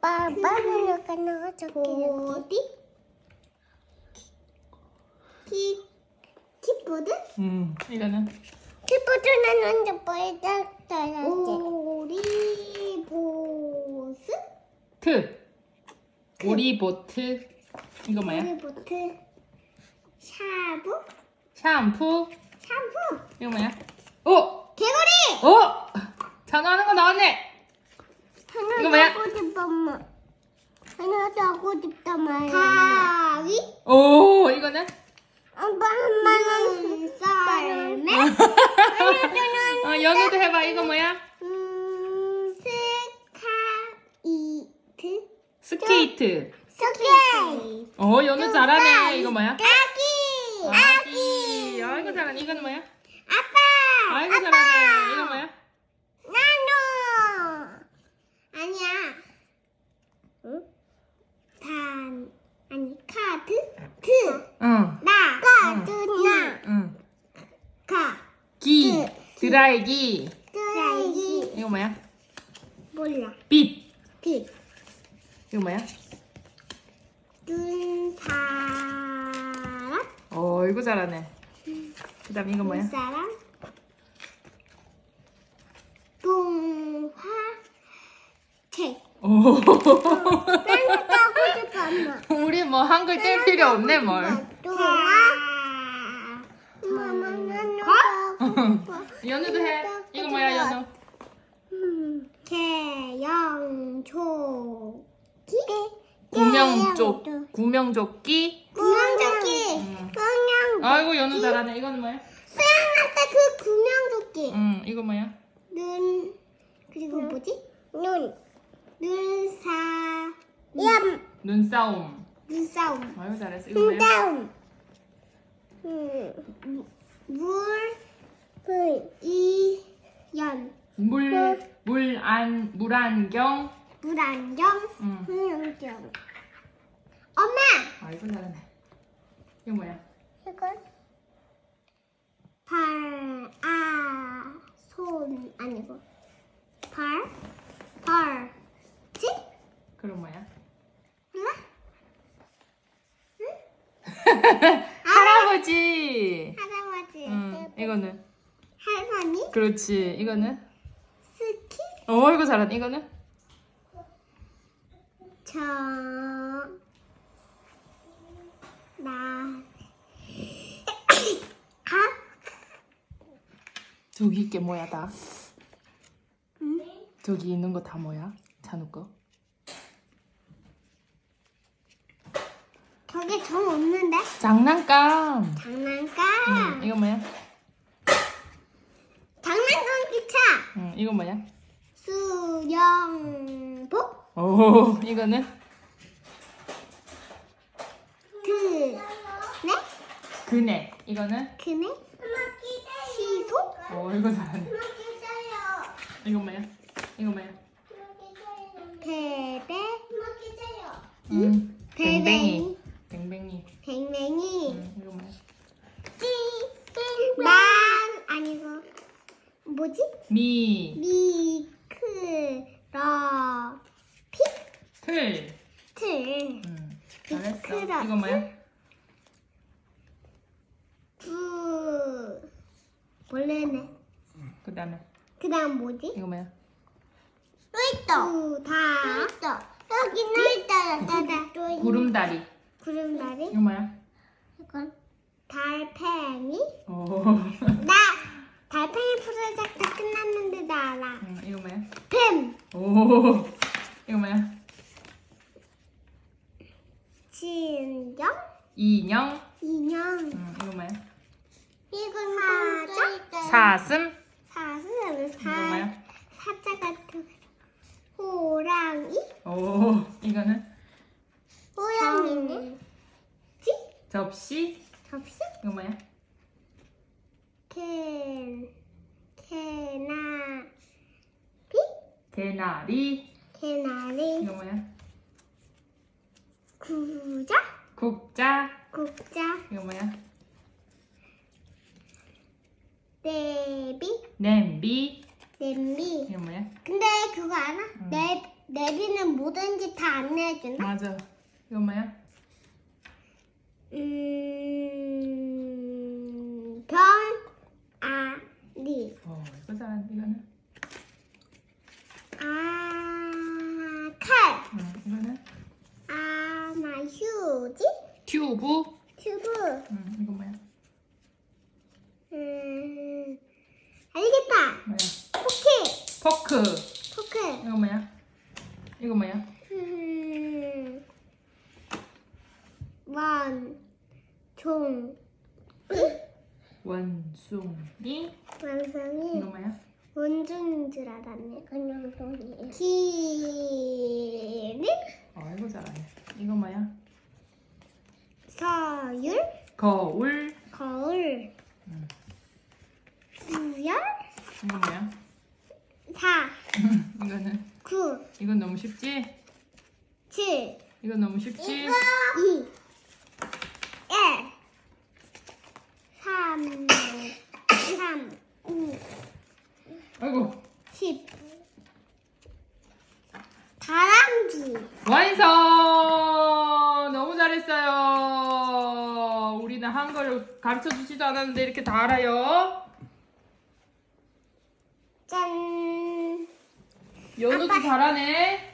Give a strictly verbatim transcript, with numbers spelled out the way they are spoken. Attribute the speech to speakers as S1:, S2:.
S1: 아빠 빨리 가나 저기
S2: 보디 키 키보드
S3: 음, 이거는
S1: 키보드는 먼저 보여줬어야지.
S2: 오리보스
S3: 트. 오리보트. 이거 뭐야?
S2: 오리보트 샤브
S3: 샴푸.
S2: 샴푸
S3: 이거 뭐야? 오!
S2: 개구리
S3: 오! 전화하는 거 나왔네.
S1: 하나도
S3: 이거 뭐야?
S1: 하고 싶어만. 하나도 하고 싶단 말이야.
S2: 가위
S3: 오, 이거는?
S1: 아빠 엄마는
S2: 썰매
S3: 어, 연우도 해봐. 이거 뭐야?
S2: 음, 스카이트
S3: 스케이트.
S1: 스케이트.
S3: 어, 연우 잘하네. 이거 뭐야?
S2: 아기
S3: 아기. 아이고 잘하네. 이거는 뭐야?
S2: 아빠
S3: 아이고 잘하네. 이거 뭐야?
S2: 나노 아니야 응? 단 아니 카드
S3: 응.
S2: 트나
S1: 가두나.
S3: 응.
S2: 가
S3: 기. 드라이기.
S2: 드라이기
S3: 이거 뭐야?
S2: 몰라
S3: 빛.
S2: 빛
S3: 이거 뭐야?
S2: 눈사람
S3: 어, 이거 잘하네. 그 다음 이거 뭐야?
S2: 눈사람 동화 책
S3: 오.
S1: 하나도 하고 싶어 엄마.
S3: 우리 뭐 한글 뗄 필요 없네, 뭘.
S2: 동화
S1: 엄마 나는
S2: 거?
S1: 하고 싶어.
S3: 연우도 해. 이거 뭐야, 연우?
S2: 음, 개영초
S3: 구명조. 구명조끼.
S2: 구명조끼
S3: 응.
S1: 그냥
S3: 아이고, 연우 잘하네. 이거는 뭐야?
S2: 수영할 때 그 구명조끼
S3: 응, 이거 뭐야?
S2: 눈 그리고 뭐지?
S1: 눈.
S2: 눈사
S1: 얌.
S3: 눈싸움.
S2: 눈싸움
S3: 아이고, 잘했어. 이거 뭐야?
S1: 다음. 음.
S2: 물
S1: 그
S2: 이연
S3: 물, 물안, 물안경.
S2: 물안경
S3: 응.
S1: 그냥
S2: 엄마
S3: 아이고, 잘하네. 이거 뭐야?
S1: 이걸
S2: 발, 아, 손 아니고 발, 발, 지?
S3: 그럼 뭐야?
S2: 몰라?
S3: 할아버지.
S2: 할아버지,
S3: 응, 이거는?
S2: 할머니,
S3: 그렇지. 이거는?
S2: 스키,
S3: 어, 이거 잘하네. 이거는?
S2: 저, 나, 가,
S3: 저기 있게 뭐야, 다?
S2: 응?
S3: 저기 있는 거 다 뭐야? 찬우 거?
S2: 저게 정 없는데?
S3: 장난감.
S2: 장난감,
S3: 응, 이거 뭐야?
S2: 장난감 기차,
S3: 응, 이거 뭐야?
S2: 수영복,
S3: 오, 이거는?
S2: 그, 네?
S3: 그네. 이거는?
S2: 그네? 시소?
S3: 오, 이거 잘하네. 이거 뭐야? 이거 뭐야?
S2: 베베
S3: 응. 뱅뱅이.
S2: 뱅뱅이
S3: 뱅뱅이.
S2: 뱅뱅이
S3: 응, 이거 뭐야?
S2: 만 아니고 뭐지?
S3: 미.
S2: 미크러피
S3: 틀.
S2: 틀
S3: 응. 잘했어.
S2: 미끄러워.
S3: 이거 뭐야?
S2: 부 원래네
S3: 그 다음에
S2: 그 다음 뭐지?
S3: 이거 뭐야?
S2: 또 있다 부다 있다 여기는 있다 나다
S3: 구름다리.
S2: 구름다리
S3: 이거 뭐야?
S2: 이건 달팽이
S3: 오.
S2: 나 달팽이 프로젝트 끝났는데 나 알아.
S3: 응, 이거 뭐야?
S2: 뱀,
S3: 오. 이거 뭐야?
S2: 진정,
S3: 인형.
S2: 인형.
S3: 응, 이거 뭐야?
S2: 이건 사자,
S3: 사슴.
S2: 사슴,
S3: 이거
S2: 사
S3: 뭐야?
S2: 사자 같은 호랑이,
S3: 오. 이거는
S2: 호랑이네. 지,
S3: 접시.
S2: 접시,
S3: 이거 뭐야?
S2: 캔, 캐나비,
S3: 개나리.
S2: 개나리,
S3: 이거 뭐야?
S2: 구자,
S3: 국자.
S2: 국자,
S3: 이거 뭐야?
S2: 내비,
S3: 냄비.
S2: 냄비.
S3: 이거 뭐야?
S2: 근데 그거 알아?
S3: 응.
S2: 내 내비는 뭐든지 다 안내해준다.
S3: 맞아. 이건 뭐야?
S2: 음, 병, 아, 리.
S3: 어, 이거 잘하네. 이거는?
S2: 아, 칼.
S3: 응, 이거는?
S2: 아, 나 휴지.
S3: 튜브?
S2: 튜브.
S3: 응, 이건 뭐야?
S2: 음, 알겠다.
S3: 뭐야?
S2: 포켓.
S3: 포크.
S2: 포켓.
S3: 이건 뭐야? 이건 뭐야?
S2: 음, 원, 종,
S3: 원숭이.
S2: 완성이
S3: 이건 뭐야?
S2: 원종인 줄 알았네. 그냥 종이에요. 기린,
S3: 어, 이거 잘하네. 이건 뭐야?
S2: 서율,
S3: 거울.
S2: 거울,
S3: 응.
S2: 구열,
S3: 이건 뭐야?
S2: 사,
S3: 이거는?
S2: 구,
S3: 이건 너무 쉽지?
S2: 칠,
S3: 이건 너무 쉽지?
S2: 이, 일, 삼, 삼, 오,
S3: 아이고.
S2: 십. 다람쥐.
S3: 완성! 너무 잘했어요. 우리는 한글을 가르쳐 주지도 않았는데 이렇게 다 알아요.
S2: 짠.
S3: 연우도
S2: 아빠.
S3: 잘하네.